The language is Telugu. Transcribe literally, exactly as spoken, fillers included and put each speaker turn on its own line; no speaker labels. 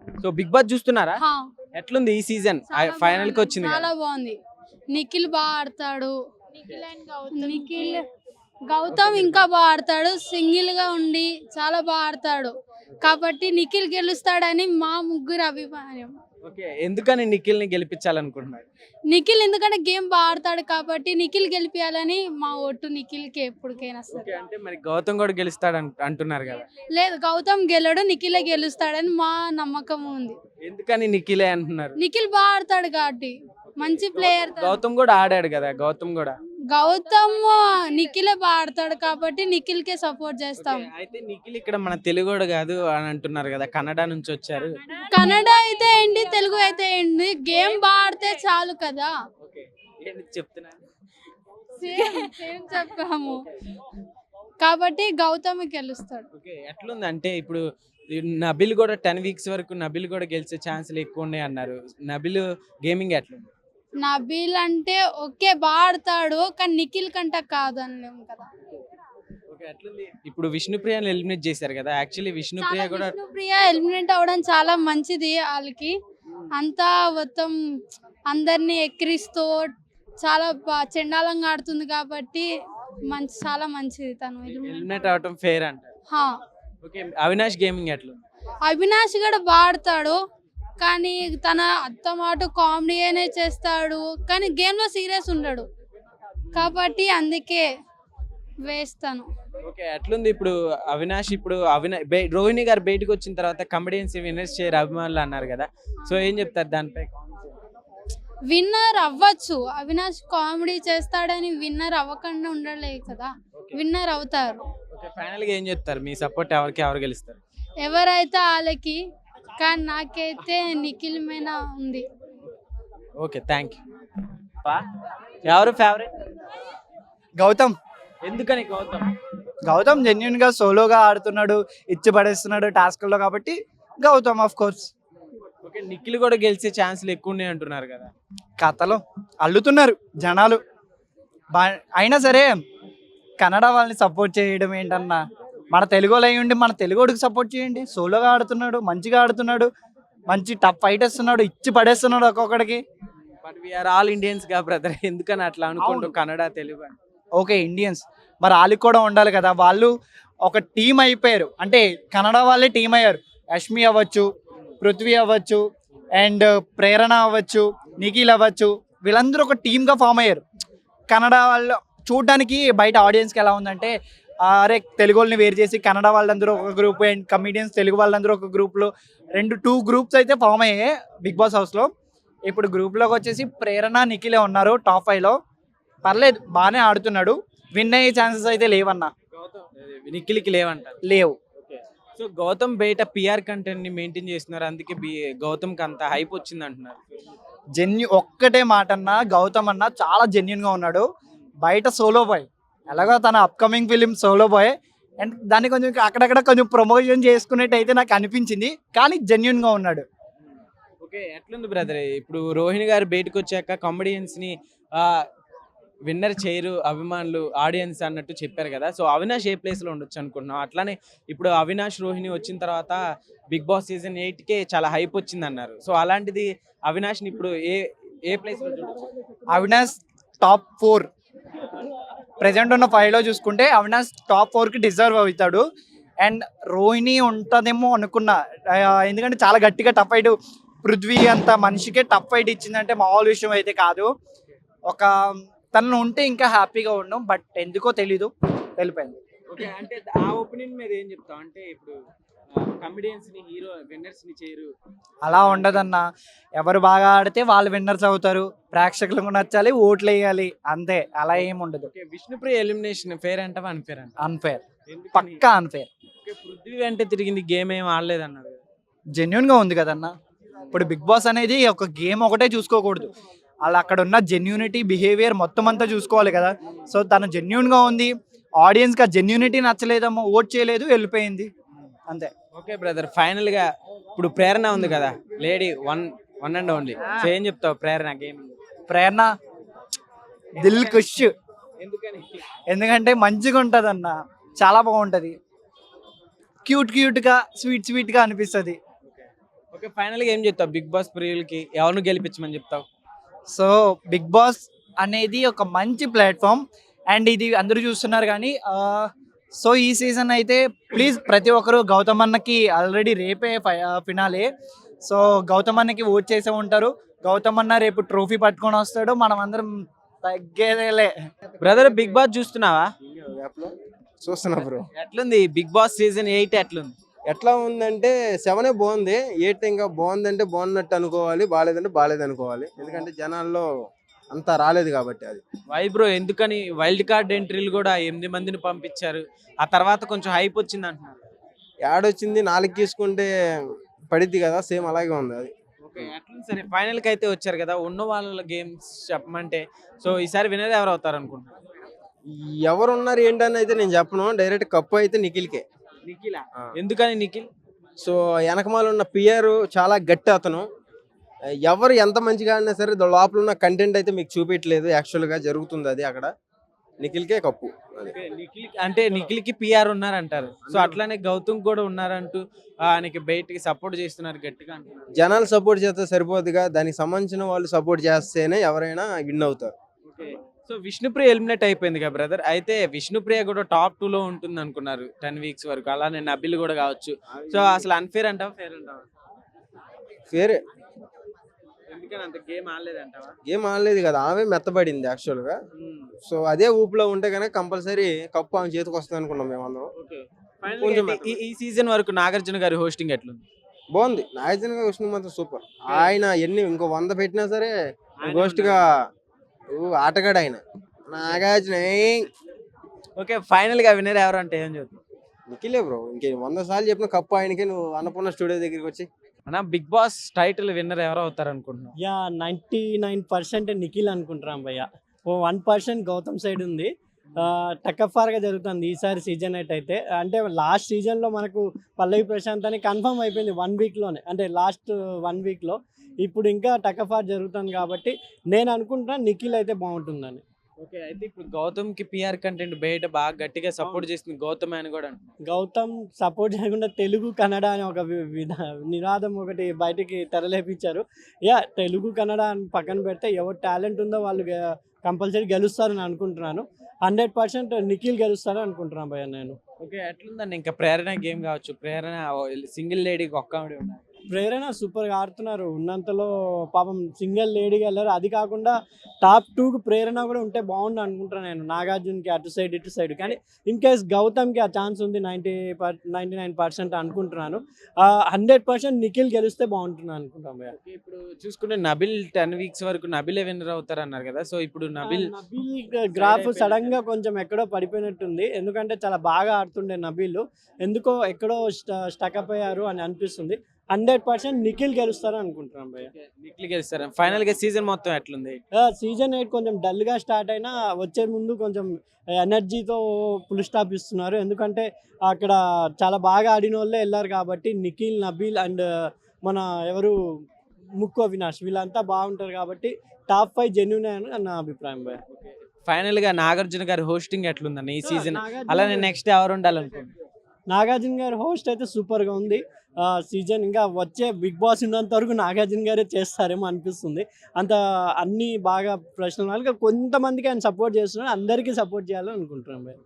సో బిగ్ బాస్ చూస్తున్నారా?
హా,
ఎట్లుంది ఈ సీజన్?
చాలా
ఫైనల్ కి
బాగుంది,
వచ్చింది
చాలా
కదా.
బాగుంది. నిఖిల్ బాగా ఆడతాడు. నిఖిల్ గౌతమ్ ఇంకా బాగా ఆడతాడు. సింగిల్ గా ఉండి చాలా బాగా ఆడతాడు కాబట్టి నిఖిల్ గెలుస్తాడని మా ముగ్గురు అభిప్రాయం.
ఓకే, ఎందుకని నిఖిల్ ని గెలిపించాలనుకుంటున్నారు?
నిఖిల్ ఎందుకంటే గేమ్ బాగా ఆడతాడు కాబట్టి నిఖిల్ గెలిపియాలని మా ఓటు నిఖిల్ కి ఎప్పటికైనా
ఓకే,
సరే.
అంటే మరి గౌతమ్ కూడా గెలుస్తాడు అన్- అంటున్నారు కదా.
లేదు, గౌతమ్ గెలడు, నిఖిలే గెలుస్తాడని మా నమ్మకం ఉంది.
ఎందుకని నిఖిలే అంటున్నారు?
నిఖిల్ బాగా ఆడతాడు కాబట్టి, మంచి ప్లేయర్.
గౌతమ్ కూడా ఆడాడు కదా, గౌతమ్ కూడా.
గౌతమ్ నిఖిలే బాగా ఆడతాడు కాబట్టి నిఖిల్ కే సపోర్ట్ చేస్తాం.
ఓకే, అయితే నిఖిల్ ఇక్కడ మన తెలుగోడు కాదు అని అంటున్నారు కదా, కన్నడ నుంచి వచ్చారు.
కన్నడ అయితే ఏంటి, తెలుగు అయితే ఏంటి, గేమ్ బాగా ఆడితే చాలు కదా.
ఓకే, ఏంటి చెప్తున్నారు?
సేమ్ సేమ్ చెప్పాము కాబట్టి గౌతమ్ గెలుస్తాడు.
ఓకే, ఎట్లుంది అంటే ఇప్పుడు ఈ నబిల్ కూడా టెన్ వీక్స్ వరకు నబిల్ కూడా గెలిచే ఛాన్సులు ఎక్కువ ఉన్నాయి అన్నారు. నబిల్ గేమింగ్ ఎట్లుంది?
నబీల్ అంటే ఓకే బాగా ఆడతాడు కానీ నిఖిల్ కంట కాదు అనలేము కదా.
ఓకే, ఎట్లుంది ఇప్పుడు విష్ణుప్రియని ఎలిమినేట్ చేశారు కదా. యాక్చువల్లీ విష్ణుప్రియ
చాలా
కూడా
విష్ణుప్రియ ఎలిమినేట్ అవ్వడం చాలా మంచిది వాళ్ళకి. అంతా మొత్తం అందరినీ ఎక్కిరిస్తూ చాలా బా- చెండాలంగా ఆడుతుంది కాబట్టి మంచి చాలా మంచిది తను eliminate.
ఎలిమినేట్ అవటం ఫేర్ అంటారు.
హా,
ఓకే, అవినాష్ గేమింగ్ ఎట్లుంది?
అవినాష్ కూడా బాగా ఆడతాడు కానీ తన అత్తమాట కామెడీ అనే చేస్తాడు కానీ గేమ్ లో సీరియస్ ఉండడు కాబట్టి అందుకే వేస్తాను.
ఓకే, ఎట్లుంది ఇప్పుడు అవినాష్? ఇప్పుడు అవినా బే- రోహిణి గారు బయటకు వచ్చిన తర్వాత కమెడియన్స్ విన్నర్స్ చేయరు అభిమానులు అన్నారు కదా. సో ఏం చెప్తారు దానిపై?
విన్నర్ అవ్వచ్చు, అవినాష్ కామెడీ చేస్తాడని విన్నర్ అవ్వకుండా ఉండలే కదా, విన్నర్ అవుతారు.
ఓకే, ఫైనల్ గా ఏం చెప్తారు? మీ సపోర్ట్ ఎవరికి, ఎవరు గెలుస్తారు?
ఎవరైతే వాళ్ళకి, కానీ నాకైతే నిఖిల్ మీద ఉంది.
Okay, thank you. ఎవరు ఫేవరెట్?
గౌతమ్
ఎందుకని గౌతమ్?
గౌతమ్ జెన్యున్ గా సోలోగా ఆడుతున్నాడు, ఇచ్చి పడేస్తున్నాడు టాస్క్లో కాబట్టి Gautam of course.
Okay, Nikhil కూడా గెలిచే ఛాన్సులు ఎక్కువ ఉన్నాయి అంటున్నారు కదా.
కథలో అల్లుతున్నారు జనాలు. బా అయినా సరే కన్నడ వాళ్ళని సపోర్ట్ చేయడం ఏంటన్నా, మన తెలుగులో అయి ఉండి మన తెలుగుడికి సపోర్ట్ చేయండి. సోలోగా ఆడుతున్నాడు, మంచిగా ఆడుతున్నాడు, మంచి టఫ్ ఫైట్ ఇస్తున్నాడు, ఇచ్చి పడేస్తున్నాడు ఒక్కొక్కడికి.
బట్ వీఆర్ ఆల్ ఇండియన్స్ గా బ్రదర్, ఎందుకని అట్లా అనుకుంటూ కన్నడ తెలుగు అని?
ఓకే ఇండియన్స్, మరి వాళ్ళకి కూడా ఉండాలి కదా. వాళ్ళు ఒక టీం అయిపోయారు అంటే కన్నడ వాళ్ళే టీం అయ్యారు. యష్మి అవ్వచ్చు, పృథ్వీ అవ్వచ్చు, అండ్ ప్రేరణ అవ్వచ్చు, నిఖిల్ అవ్వచ్చు, వీళ్ళందరూ ఒక టీమ్గా ఫామ్ అయ్యారు. కన్నడ వాళ్ళు చూడడానికి బయట ఆడియన్స్కి ఎలా ఉందంటే, అరే తెలుగు వాళ్ళని వేరు చేసి కన్నడ వాళ్ళందరూ ఒక గ్రూప్ అండ్ కమిడియన్స్ తెలుగు వాళ్ళందరూ ఒక గ్రూప్లో, రెండు టూ గ్రూప్స్ అయితే ఫామ్ అయ్యాయి బిగ్ బాస్ హౌస్లో. ఇప్పుడు గ్రూప్లోకి వచ్చేసి ప్రేరణ నిఖిలే ఉన్నారు టాప్ ఫైవ్లో. పర్లేదు, బాగానే ఆడుతున్నాడు. విన్ అయ్యే ఛాన్సెస్ అయితే లేవన్నా,
నిఖిల్కి లేవంటారు.
లేవు.
సో గౌతమ్ బయట పిఆర్ కంటెంట్ ని మెయింటైన్ చేస్తున్నారు, అందుకే బి- గౌతమ్ కి అంత హైప్ వచ్చింది అంటున్నారు.
జెన్యు ఒక్కటే మాట అన్న, గౌతమ్ అన్న చాలా జెన్యున్గా ఉన్నాడు. బయట సోలో బాయ్, ఎలాగో తన upcoming film solo boy, and దాన్ని కొంచెం అక్కడక్కడ కొంచెం ప్రమోషన్ చేసుకునేట్టు అయితే నాకు అనిపించింది, కానీ జెన్యున్గా ఉన్నాడు.
ఓకే, ఎట్లుంది బ్రదర్? ఇప్పుడు రోహిణి గారు బయటకు వచ్చాక కామెడియన్స్ ని విన్నర్ చేయరు అభిమానులు, ఆడియన్స్ అన్నట్టు చెప్పారు కదా. సో అవినాష్ ఏ ప్లేస్ లో ఉండొచ్చు అనుకుంటున్నాం? అట్లానే ఇప్పుడు అవినాష్ రోహిణి వచ్చిన తర్వాత బిగ్ బాస్ సీజన్ ఎయిట్ కే చాలా హైప్ వచ్చింది అన్నారు. సో అలాంటిది అవినాష్ ని ఇప్పుడు ఏ ఏ ప్లేస్ లో చూడొచ్చు?
అవినాష్ టాప్ ఫోర్ ప్రజెంట్ ఉన్న ఫైవ్లో చూసుకుంటే అవినాష్ టాప్ ఫోర్కి డిజర్వ్ అవుతాడు. అండ్ రోహిణి ఉంటుందేమో అనుకున్నా, ఆ, ఎందుకంటే చాలా గట్టిగా టఫ్ ఫైట్, పృథ్వీ అంత మనిషికే టఫ్ ఫైట్ ఇచ్చిందంటే మామూలు విషయం అయితే కాదు. ఒక తను ఉంటే ఇంకా హ్యాపీగా ఉన్నాం, బట్ ఎందుకో తెలీదు వెళ్ళిపోయింది.
ఓకే, అంటే ఆ ఒపీనియన్ మీద ఏం చెప్తాం? అంటే ఇప్పుడు కమెడియన్స్ ని హీరో విన్నర్స్ ని చేయరు.
అలా ఉండదన్న, ఎవరు బాగా ఆడితే వాళ్ళు విన్నర్స్ అవుతారు, ప్రేక్షకులకు నచ్చాలి, ఓట్లు వేయాలి, అంతే. అలా ఏమి ఉండదు.
ఓకే, విష్ణుప్రియ ఎలిమినేషన్ ఫేర్ అంటావా అన్ఫేర్ అంట?
అన్ఫేర్,
ఎందుకని?
పక్కా అన్ఫేర్.
ఓకే, పృథ్వీ అంటే తిరిగింది, గేమ్ ఏం ఆడలేదు అన్నారు.
జెన్యున్గా ఉంది కదన్న. ఇప్పుడు బిగ్ బాస్ అనేది ఒక గేమ్ ఒకటే చూసుకోకూడదు, అలా అక్కడ ఉన్న జెన్యూనిటీ బిహేవియర్ మొత్తం అంతా చూసుకోవాలి కదా. సో తను జెన్యున్గా ఉంది, ఆడియన్స్కి ఆ జెన్యూనిటీ నచ్చలేదమ్మో, ఓట్ చేయలేదు, వెళ్ళిపోయింది, అంతే.
ఓకే బ్రదర్, ఫైనల్ గా ఇప్పుడు ప్రేరణ ఉంది కదా, lady one one and only. So ఏం చెప్తావు ప్రేరణ గేమ్?
ప్రేరణ దిల్ ఖుష్,
ఎందుకని?
ఎందుకంటే మంచిగా ఉంటుంది అన్న, చాలా బాగుంటుంది, క్యూట్ క్యూట్గా స్వీట్ స్వీట్గా అనిపిస్తుంది.
ఓకే, ఫైనల్ గా ఏం చెప్తావు బిగ్ బాస్ ప్రియులకి, ఎవరిని గెలిపించమని చెప్తావు?
సో బిగ్ బాస్ అనేది ఒక మంచి ప్లాట్ఫామ్ అండ్ ఇది అందరూ చూస్తున్నారు కానీ సో ఈ సీజన్ అయితే ప్లీజ్ ప్రతి ఒక్కరు గౌతమ్ అన్నకి ఆల్రెడీ రేపే ఫినాలే. సో గౌతమ్ అన్నకి ఓట్ చేసే ఉంటారు. గౌతమ్ అన్న రేపు ట్రోఫీ పట్టుకొని వస్తాడు, మనం అందరం తగ్గేదేలే.
బ్రదర్ బిగ్ బాస్ చూస్తున్నావా?
చూస్తున్నా బ్రో.
ఎట్లుంది బిగ్ బాస్ సీజన్ ఎయిట్ ఎట్లుంది?
ఎట్లా ఉందంటే సెవెనే బాగుంది, ఎయిట్ ఇంకా బాగుందంటే బాగున్నట్టు అనుకోవాలి, బాగాలేదంటే బాగాలేదు అనుకోవాలి. ఎందుకంటే జనాల్లో అంతా రాలేదు కాబట్టి. అది
వై బ్రో, ఎందుకని వైల్డ్ కార్డ్ ఎంట్రీలు కూడా ఎనిమిది మందిని పంపించారు, ఆ తర్వాత కొంచెం హైప్ వచ్చింది అంటున్నారు.
యాడ్ వచ్చింది, నాలుగు తీసుకుంటే పడిద్ది కదా, సేమ్ అలాగే ఉంది అది.
ఓకే, ఎట్లుంది సరే ఫైనల్ కి అయితే వచ్చారు కదా, ఉన్న వాళ్ళ గేమ్స్ చెప్పమంటే సో ఈసారి వినర్ ఎవరు అవుతారు అనుకుంటున్నారు?
ఎవరు ఉన్నారు ఏంటని అయితే నేను చెప్పను, డైరెక్ట్ కప్పు అయితే నిఖిల్కే.
నిఖిల్.
ఆ.
ఎందుకని నిఖిల్?
సో వెనకమాల ఉన్న పియర్ చాలా గట్టి అతను. ఎవరు ఎంత మంచిగా ఆడినా సరే ద- లోపల ఉన్న కంటెంట్ అయితే మీకు చూపించలేదు, యాక్చువల్గా జరుగుతుంది అది అక్కడ. నిఖిల్కే కప్పు అది.
ఓకే, నిఖిల్ అంటే నిఖిల్ కి పిఆర్ ఉన్నారంటారు, సో అట్లానే గౌతమ్ కూడా ఉన్నారంటూ ఆయనకి బయటికి సపోర్ట్ చేస్తున్నారు గట్టిగా అంటున్నారు.
జనాలు సపోర్ట్ చేస్తే సరిపోదుగా, దానికి సంబంధించిన వాళ్ళు సపోర్ట్ చేస్తేనే ఎవరైనా విన్ అవుతారు.
ఓకే, సో విష్ణుప్రియ ఎలిమినేట్ అయిపోయింది కదా బ్రదర్, అయితే విష్ణుప్రియ కూడా టాప్ టూ లో ఉంటుంది అనుకున్నారు టెన్ వీక్స్ వరకు, అలానే నబిల్ కూడా కావచ్చు. సో అసలు అన్ఫేర్ అంటావా ఫేర్ అంటావా?
ఫేరే,
ఎందుకని అంత గేమ్ ఆడలేదంటావా?
ఏం ఆడలేదు కదా, ఆమె మెత్తబడింది యాక్చువల్గా. సో అదే ఊపులో ఉంటే కనుక కంపల్సరీ కప్పు ఆమె చేతికి వస్తుంది అనుకున్నాం మేము అందరం.
ఓకే,
కొంచెం
ఈ ఈ సీజన్ వరకు నాగార్జున గారి హోస్టింగ్ ఎట్లుంది?
బాగుంది. నాగార్జున విష్ణు మాత్రం సూపర్. ఆయన ఎన్ని ఇంకో వంద పెట్టినా సరే గోస్ట్ గా ఊ, ఆటగాడు ఆయన నాగార్జున. ఏయ్,
ఓకే, ఫైనల్ గా వినర్ ఎవరు అంటే ఏం చెప్తావు?
నిఖిలే బ్రో. ఇంకే వంద సార్లు చెప్పిన కప్పు ఆయనకే. నువ్వు అన్నపూర్ణ స్టూడియో దగ్గరికి వచ్చి
అన్న బిగ్ బాస్ టైటిల్ విన్నర్ ఎవరు అవుతారు అనుకుంటున్నావు?
Yeah ninety nine percent Nikhil అనుకుంటున్నాం భయ్య. ఓ వన్ పర్సెంట్ గౌతమ్ సైడ్ ఉంది. టకఫార్గా జరుగుతుంది ఈసారి సీజన్ ఎయిట్ అయితే. అంటే లాస్ట్ సీజన్లో మనకు పల్లవి ప్రశాంత్ అని కన్ఫర్మ్ అయిపోయింది వన్ వీక్లోనే, అంటే లాస్ట్ వన్ వీక్లో. ఇప్పుడు ఇంకా టకఫార్ జరుగుతుంది కాబట్టి నేను అనుకుంటున్నా నిఖిల్ అయితే బాగుంటుందని.
ఓకే, అయితే ఇప్పుడు గౌతమ్ కి పిఆర్ కంటెంట్ బయట బాగా గట్టిగా సపోర్ట్ చేస్తుంది గౌతమ్ అని కూడా అంటున్నారు.
గౌతమ్ సపోర్ట్ చేయకుండా తెలుగు కన్నడ అని ఒక వి- విధ నినాదం ఒకటి బయటికి తెరలేపించారు. యా తెలుగు కన్నడ అని పక్కన పెడితే ఎవరు టాలెంట్ ఉందో వాళ్ళు కంపల్సరీ గెలుస్తారని అనుకుంటున్నాను. హండ్రెడ్ పర్సెంట్ నిఖిల్ గెలుస్తారని అనుకుంటున్నాను భయ్య నేను.
ఓకే, ఎట్లుందండి ఇంకా ప్రేరణ గేమ్ కావచ్చు, ప్రేరణ సింగిల్ లేడీకి ఒక్క ఆవిడ ఉన్నారు.
ప్రేరణ సూపర్గా ఆడుతున్నారు, ఉన్నంతలో పాపం సింగిల్ లేడీగా వెళ్ళారు. అది కాకుండా టాప్ టూకి ప్రేరణ కూడా ఉంటే బాగుండు అనుకుంటున్నాను నేను, నాగార్జునకి అటు సైడ్ ఇటు సైడ్. కానీ ఇన్ కేస్ గౌతమ్కి ఆ ఛాన్స్ ఉంది ninety per ninety nine percent అనుకుంటున్నాను. హండ్రెడ్ పర్సెంట్ నిఖిల్ గెలిస్తే బాగుంటున్నాను అనుకుంటాం భయ్య.
ఓకే, ఇప్పుడు చూసుకుంటే నబిల్ టెన్ వీక్స్ వరకు నబిలే విన్నర్ అవుతారు అన్నారు కదా, సో ఇప్పుడు నబిల్
నబీల్ గ్రాఫ్ సడన్ గా కొంచెం ఎక్కడో పడిపోయినట్టుంది, ఎందుకంటే చాలా బాగా ఆడుతుండే నబీల్, ఎందుకో ఎక్కడో స్టకప్ అయ్యారు అని అనిపిస్తుంది. హండ్రెడ్ పర్సెంట్ నిఖిల్ గెలుస్తారు అనుకుంటున్నాం భయ్య.
నిఖిల్ గెలుస్తారు. ఫైనల్ గా సీజన్ మొత్తం ఎట్లుంది?
సీజన్ ఎయిట్ కొంచెం డల్ గా స్టార్ట్ అయినా వచ్చే ముందు కొంచెం ఎనర్జీతో ఫుల్ స్టాప్ ఇస్తున్నారు, ఎందుకంటే అక్కడ చాలా బాగా ఆడిన వాళ్ళే వెళ్ళారు కాబట్టి. నిఖిల్, నబీల్ అండ్ మన ఎవరు ముక్కు అవినాష్ వీళ్ళంతా బాగుంటారు కాబట్టి టాప్ ఫైవ్ జెన్యున్ అని నా అభిప్రాయం భయ్య.
ఫైనల్ గా నాగార్జున గారి హోస్టింగ్ ఎట్లుందని ఈ సీజన్,
నాగార్జున
అలానే నెక్స్ట్ ఎవరు ఉండాలనుకుంటున్నారు?
నాగార్జున గారి హోస్ట్ అయితే సూపర్గా ఉంది. సీజన్ ఇంకా వచ్చే బిగ్ బాస్ ఉన్నంత వరకు నాగార్జున గారే చేస్తారేమో అనిపిస్తుంది. అంత అన్ని బాగా ప్రశ్నలు కొంతమందికి ఆయన సపోర్ట్ చేస్తున్నారు, అందరికీ సపోర్ట్ చేయాలని అనుకుంటున్నాం.